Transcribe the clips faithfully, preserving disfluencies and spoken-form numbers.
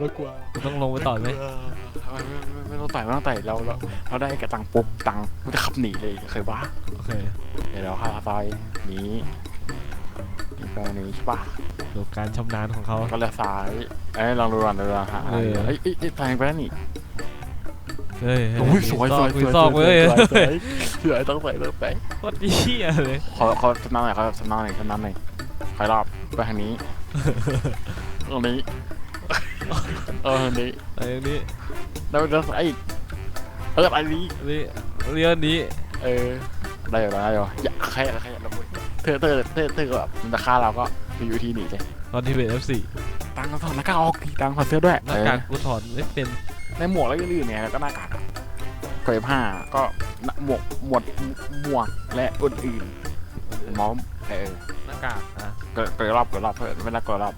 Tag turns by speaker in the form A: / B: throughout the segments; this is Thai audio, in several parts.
A: ต้องกลัว
B: ต้องลงไปต่อยไหม
A: ไม่ไม่ต้องต่อยไม่ต้องต่อยเราเราเราได้กระตังปุ๊บตังมันจะขับหนีเลยเคยปะ
B: โอเค
A: เดี๋ยวเราข้าซอยนี้นี่ไปนี้ใช่ปะ
B: ดูการชำนาญของเขา
A: ก็เลี้ยวซ้ายเอ้ยลองดูก่อนดูก่อนฮะ
B: เออ
A: เอ้ยเอ้ยเอ้ยทางไปแล้วนี่
B: เฮ้ย
A: โอ้ยสวยสวยส
B: มี
A: วย
B: ซอก
A: สวย
B: เว้ย
A: สวยสวยสวยต้องใส่ต้องใส่
B: โคตรเหี้ยเลย
A: ขอขอสำนักหน่อยครับสำนักหน่อยสำนักหน่อยใครรอบไปทางนี้ตรงนี้เออทางนี้
B: ไอ้นี่
A: แล้วแล้วไอ้เอออันนี้
B: นี่เรียนนี้
A: เออได้อยู่ได้อยู่อย่าใครใครเราเธอเธอเธอเธอแบบมันจะฆ่าเราก็ไปอยู่ที่หนีเลย
B: ตอนที่เป็น เอฟ โฟร์
A: ตังค์ถอดหน้ากากออกตังค์ถอดเสื้อด้วย
B: หน้ากากกูถอดไม่เป็น
A: ในหมวกแล้วก็อื่นเนี่ยแล้วก็หน้ากากเกยผ้าก็หมวกหมวดหมวกและอื่นๆม้อมเออ
B: หน้ากากอ่ะ
A: เกยเกยรอบเกยรอบเพื่อนไม่ได้เกยรอบ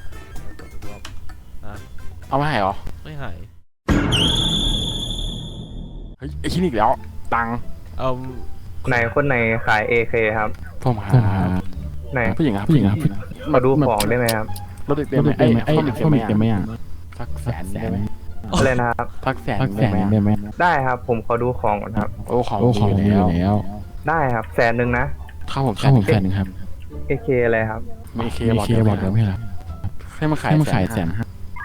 B: อ่ะ
A: เอาไม่ให้หรอ
B: ไม่หาย
A: เฮ้ยไอ้ที่นี่อีกแล้วตังค์
B: เอา
C: ไหนคนไหนขาย เอ เค ครับ
A: ผมหา
C: ไหน
A: ผู้หญิงครับผู้หญิงครับ
C: มาดูของได้ไหมครับ
A: รถเด็กเต็มไหมไอ้ไอ้เด็กเต็มไหมอ่ะสักแสนได้ไหม
C: อะไรนะครับ
A: สักแสนได้ไหม
C: ได้ครับ ผมขอดูของก่อนครับ
A: โอ้ของดีอยู่แล้ว
C: ได้ครับแสนหนึ่งนะ
A: ข้าวผมแสนแสนหนึ่งครับ
C: เอ เค อะไรครับ
A: มีเคบอกเดียวบอกเดียวไม่หรอให้มาขายให้มาขายแสนห้า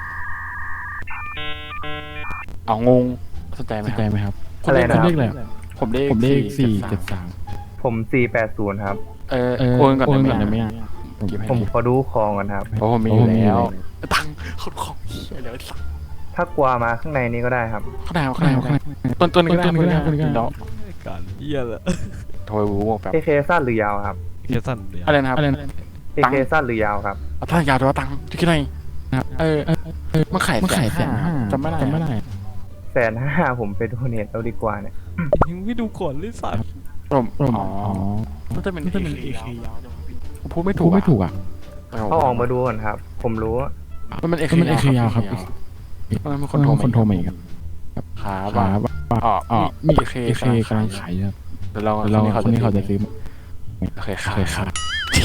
A: เอางงสนใจไหมสนใจไหมครับ
C: อะไรนะ
A: ผมเลขอะไรผมเลขผมเลขสี่เจ็ดสาม
C: ผมสี่แปดศูนย์ครับ
A: เออโอนก่อนได้ไหม
C: ผมขอดูของก่อนครับ
A: เพราะผมมีอยู่แล้วตังค์คนของเดี๋ยวสั่ง
C: ถ้ากลัวมาข้างในนี้ก็ได้ครับ
A: ข้างในข้างในข้างในต้นต้นก็ได้ต้นก็ได้ต้นก็ได้
B: การเหี้ยละ
A: โทรบูบอกแบบ
C: เอ เค สั้นหรือยาวครับ
B: เหี้ยสั้นเดียว
A: อะไรนะครับอะไร
C: เอ เค สั้นหรือยาวครับ
A: ถ้ายาวตัวตังค์ที่คิดไงนะครับเออมาขายมาขายแสนห้าจำไม่ได้จำไม่ได้
C: แสนห้าผมไปดูเน็ตเอาดีกว่าเนี่ย
B: ยังไม่ดูก่อนเลยสัตว์
A: ผมอ๋อน่าจะเป็นน่าจะเป็นเอเคยาวผมพูดไม่ถูกไม่ถูกอ่ะ
C: เขาออกมาดูก่อนครับ ผมรู้
A: มันเป็นเอเคมันเอเคยาวครับมันเป็นคนโทรคนโทรมาอีกครับขาบ้าอ๋ออ๋อมีเอเคเอเคกำลังขายครับเดี๋ยวเราเราคนนี้เขาจะซื้อโอเคขายขาย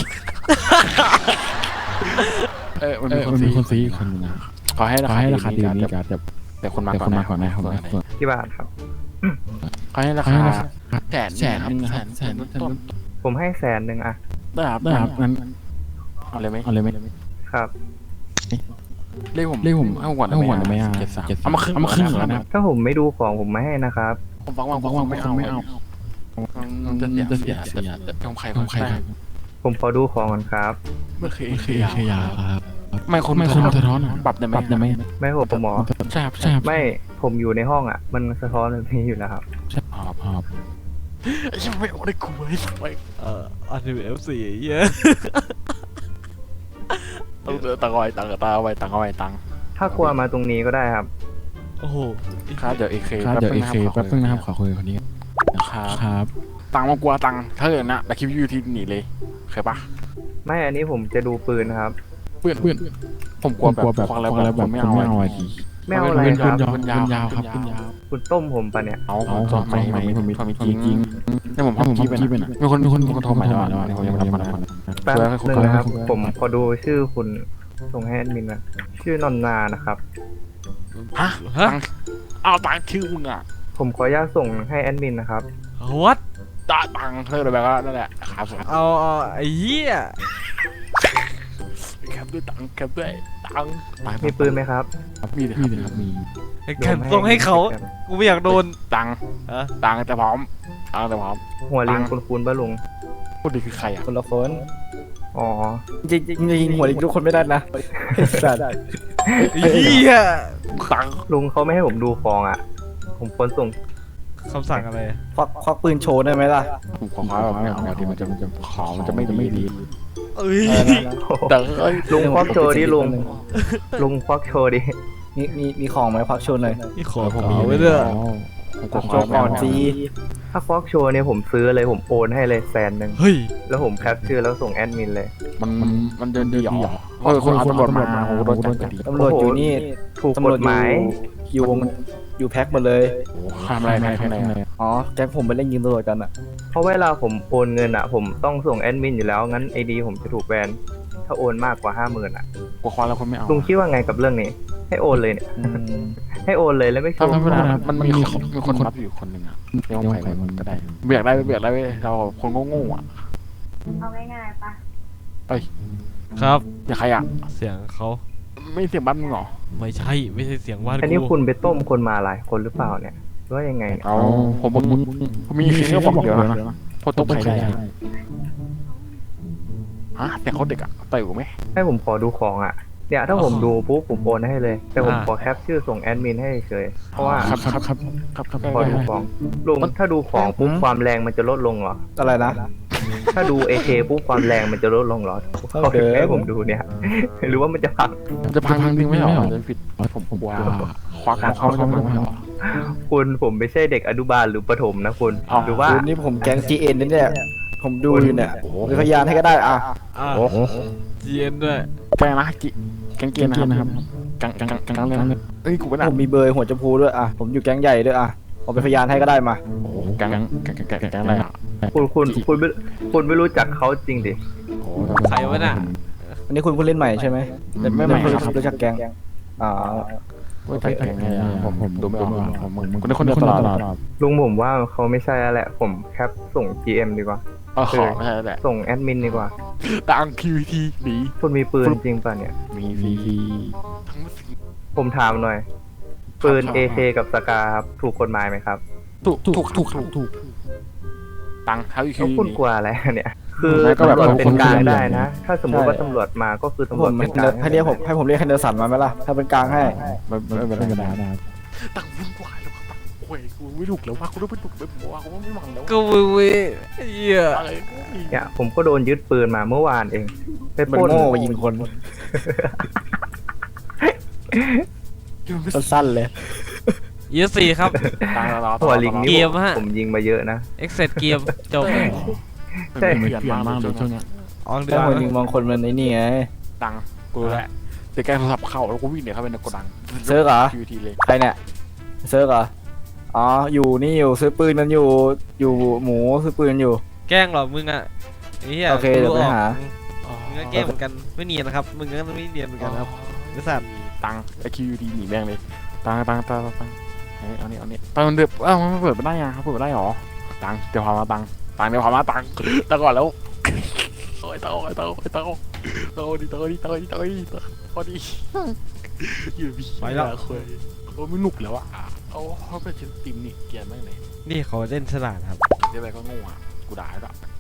A: เออมันมีคนซื้อคนนะขอให้ราคาให้ราคาดีนี้กันแต่แต่คนมาก่อนนะก่อนนะครับ
C: กี่บาทครับ
A: ขอให้ราคาแสนแสนแสนแสนต้น
C: ผมให้แสนหนึ่งอะ
A: ได้ครับได้ครับงั้นเอาเลยไหมเอาเลยไหม
C: ครับ
A: เรียกผมเรียกผมเอาก่อนได้ไหมอ่ะเจ็ดสามเอามาครึ่งเอามาครึ่งแล้วนะ
C: ถ้าผมไม่ดูของผมไม่ให้นะครับ
A: ผมฟังว่างฟังว่างไม่เอาไม่เอาจะเสียจะเสียจะทำใครทำใคร
C: ผมขอดูของก่อนครับ
A: เมื่อคืนคือยาครับไม่คนไม่คนสะท้อนปรับได้ไหมปรับได้ไหม
C: ไม่ผมผมหมอ
A: ใช่ครับใช่ครับ
C: ไม่ผมอยู่ในห้องอ่ะ มันสะท้อนแบบนี้อยู่แล้วครับ
A: ครับครับยังไม่เอาได้กูไอ้สักไป
B: เอ่ออันนี้เป็น เอฟ โฟร์ เหี้ย
A: ต้องตังเอาไว้ตังตาเอาไว้ตังเอาไว้ตัง
C: ถ้ากลัวมาตรงนี้ก็ได้ครับ
B: โอ้โห
A: ครับเดี๋ยวเอเคครับเดี๋ยวเอเคแป๊บนึงนะครับขอคุยคนนี้ครับครับตังมากลัวตังถ้าเกิดนะแต่คลิปยูทีหนีเลยเคยปะ
C: ไม่อันนี้ผมจะดูปืนครับ
A: เพื่อนเพื่อนผมกลัวแบบควงแล้วแบบไม่เอาไม่เอาไอ้ที
C: ไม่เอาอะไร
A: เป็น
C: ครับ
A: คุณยาวคุณยาวครับคุณยาว
C: คุณต้มผมปะเนี่ย
A: เอาผมจอดใหม่ใหม่ผมมีผมมีจริงจริงนี่ผมทำที่เป็นมีคนมีคนมีคนโทรใหม่แล้วแล้วผมยังไม่รับมัน
C: แป๊บนึงนะครับ ผมขอดูชื่อคุณส่งให้แอดมินนะชื่อนนนานะครับ
A: ฮะ
B: ฮะ
A: เอาตังชื่อมึงอ่ะ
C: ผมขออนุญาตส่งให้แอดมินนะครับ
B: วัด
A: ตาตังเธอเลยแบบว่านั่นแหละครับผม
B: เอาเอาไอ้เหี้ย
A: แคปด้วยตังแคปด้วยตัง
C: มีปืนไหมครับ
A: มีเลยครับมี
B: ไอ้แคมส่งให้เขากูไม่อยากโดน
A: ตัง
B: อะ
A: ตังแต่พร้อมตังแต่พร้อม
C: หัวลิงคุณคุณปะลุง
A: พูดดีคือใครอ่ะ
D: คนละคน
C: อ๋อ
D: จริงจริงจริงหัวลิงทุกคนไม่ได้นะสัตว์
B: ไอ้เหี้ย
A: ตัง
C: ลุงเขาไม่ให้ผมดูของอ่ะ ผมควรส่ง
B: คำสั่งอะไร
D: ควักควักปืนโชว์ได้ไหมล่ะ
A: ผมขอแบบไม่เอาทีมันจะมันจะขอมันจะไม่ไม่ดี
B: เอ้ย
A: แต่เอ้ย
C: ลุงควักโชว์ดิลุง ลุงควักโชว์ดิ
D: มีมีมีของไหมควักโชว์หน่อย
B: นี่ขอ
A: ผม
B: ข
A: มี
B: อไว้ด้วย
A: ผมขอ
D: โชว์ก่อนสิ
C: ถ้าควักโชว์เนี่ยผมซื้อเลยผมโอนให้เลยแสนหนึ่ง
B: เฮ้ย
C: แล้วผมแคปชื่อแล้วส่งแอดมินเลย
A: มันมันมันเดินดีหรอเออคนเอาตำรวจมาโอ้โดนจับก็ดี
D: ตำรวจอยู่นี่
C: ถูก
D: ตำ
C: ก
D: รวจ
C: ฎ
D: อ
C: ห
D: ยู่
C: มาย
D: อยู่วงอยู่แพ็คหมดเลย
A: โอ้ทำอะไรในข้างใน
D: อ๋อแก๊งผมไปเล่นยิงตำรวจกันอ่ะ
C: เพราะเวลาผมโอนเงินอ่ะ ผมต้องส่งแอดมินอยู่แล้วงั้นไอดีผมจะถูกแบนถ้าโอนมากกว่าห้าหมื่นอ่ะ
A: กลัวควานแล้วคนไม่เอา
C: ลุงคิดว่าไงกับเรื่องนี้ให้โอนเลยเนี่ย
D: อืม
C: ให้โอนเลยแล้วไม่ช
A: ถ้า
C: ว์
A: ไม่ได้มันมีคนมีคนรับอยู่คนหนึ่งอ่ะไม่ต้องไปมันก็ได้เบียกได้เบียกได้เราคนโง่ๆอ่ะ
E: เอาง่ายๆปะ
B: ครับ
A: อย่าใครอ่ะ
B: เสียงเขา
A: ไม่เสียงบ้านมึงหรอ
B: ไม่ใช่ไม่ใช่เสียงว่าน
C: อันนี้
B: กู
C: คุณไปต้มคนมาหลายคนหรือเปล่าเนี่ยหรือว่ายังไงเนี่ย
A: เอาผมมึงผมมีแค่บอกเดียวนะพอตกใครได้ฮะแต่เขาเด็กอ่ะเต๋อไหม
C: ให้ผมขอดูของอ่ะเนี่ยถ้าผมดูปุ๊บผมโอนให้เลย แต่ผมขอแคปชื่อส่งแอดมินให้เฉยเพราะว่า
A: ครับครับครับครับครับ
C: พอดูของลุงถ้าดูของปุ๊บความแรงมันจะลดลงเหรอ
D: อะไรนะ
C: ถ้าดู เอ เค ปุ๊บความแรงมันจะลดลงเหรอ
D: เท่า
C: เขา
D: เดิม
C: ให้ผมดูเนี่ย หรือว่ามันจะพัง
A: จะพังพังจริงไม่หรอจะผิดผมผมว่าควักเขาเขาไม่หรอ
C: คุณผมไม่ใช่เด็กอนุบาลหรือประถมนะคุณ
A: อ้าว
C: หรือว่า
D: คุณนี่ผมแก๊ง จี เอ็น นี่เนี่ยผมดูอยู่เนี่ยเป็นพยานให้ก็ได้อ่ะ
B: อ่า
A: โอ้
B: จีเอ็นด้วย
A: แกงนะกิแกงเกียนนะครับกังกังกังกังเลยนะเอ้ยกูเป็น
D: ผมมีเบอร์หัวจมพูด้วยอ่ะผมอยู่แก๊งใหญ่ด้วยอ่ะผมเป็นพยานให้ก็ได้มา
A: โอ้กังกังกังกังกังอะไรอ่ะ
C: คุณคุณคุณไม่คุณไม่รู้จักเขาจริงดิ
B: ใครวะน่ะ
D: อันนี้คุณเพิ่งเล่นใหม่ใช่ไหมแต่ไม่ใหม่ครับรู้จักแก๊งอ่า
A: ว่าแต่แกงไงอ่ะผมผมดูไม่ออกผมมึงมึงคนนี้คนเดียวตลอด
C: ลุงผมว่าเขาไม่ใช่แล้วแหละ ผมแคปส่ง จี เอ็ม ดีกว่า
A: อ๋อไม่ใช่แหละ
C: ส่งแอดมินดีกว่า
A: ตังคิวทีหนี
C: คุณมีปืนจริงป่ะเนี่ย
A: มีมีทั้ง
C: ผมถามหน่อย ปืน เอ เค กับสกาครับถูกกฎหมายไหมครับ
A: ถูกถูกถูกถูกถูกตังเขาอีก
C: แล้ว
A: ที
C: คุณกลัวอะไรเนี่ย คือ
A: ก็แบบ
C: ตำรวจเป็นกลาง
A: คน
C: ได้นะ ถ้าสมมติว่าตำรวจมาก็คือตำร
D: ผ
C: วจ
D: ม
C: เป็นกลาง
D: ให้เรียกผมให้ผมเรียกแคนเดอร์สันมาไหมล่ะถ้าเป็นกลางให้
A: ไม่ไม่ไม่ไม่ได้ตังวุ่นวายแล้วตังโอ้ยกูไม่ถูกแล้วว่ากูต้องไปถูกไปบอกว่ากูไม่หวังแล้ว
B: ก็เว้ยเว้ยเหี้ย
A: อะไร
C: เนี่ยผมก็โดนยึดปืนมาเมื่อวานเองไป
D: มัน
C: ปล้น
D: โง่ไปยิงคนสั้นๆเลย
B: ยี่สี่ครับ
A: ตังเรา
C: หัวลิง
B: เก
C: นี่
B: มฮะ
C: ผมยิงมาเยอะนะ
B: เอ็กเซดเกมจบ
A: ใช่เปลี่ยนมากเลยช่วงนี้
B: ออกเดื
D: ถ้า
B: อน
D: คนยิงมองคนมันไอ้นี่ไง
A: ตังกูแหละเดี๋ยวแกโทรศัพท์เข้าแล้วกูวิ่งเนี่ยเข้าไปในโกดัง
D: เซิร์ฟเหรอ
A: คิวทีเลย
D: ใครเนี่ยเซิร์ฟเหรออ๋ออยู่นี่อยู่ซื้อปืนมันอยู่อยู่หมูซื้อปืนอยู่
B: แกล้งเหรอมึงอ่ะไอ้เหี้ย
D: โอเคเดี๋ยวไปหา
B: มึงก็แกล้งเหมือนกันไม่เนียนนะครับมึงก็ไม่เนียนเหมือนกันครับไอ้สัตว์
A: ตังไอคิวทีหนีแม่งเลยตังตังตังตังเอานี่เอานี่ตังเดือบอ้าวมันเปิดไม่ได้ยังเขาเปิดไม่ได้หรอตังเดี๋ยวพามาตังตังเดี๋ยวพามาตังตังก่อนแล้วโอ้ยตังโอ้ยตังโอ้ยตังตังดีตังดีตังดีตังดีพอดีอยู่พี่คุยโอ้ไม่หนุกแล้วอ่ะเอาเขาเป็นชิ้นติมนี่เกียร์แม่งเลย
B: นี่เขาเล่นฉลาดครับ
A: เดี๋ยวไปก็โง่อ่ะกูด่าแล้ว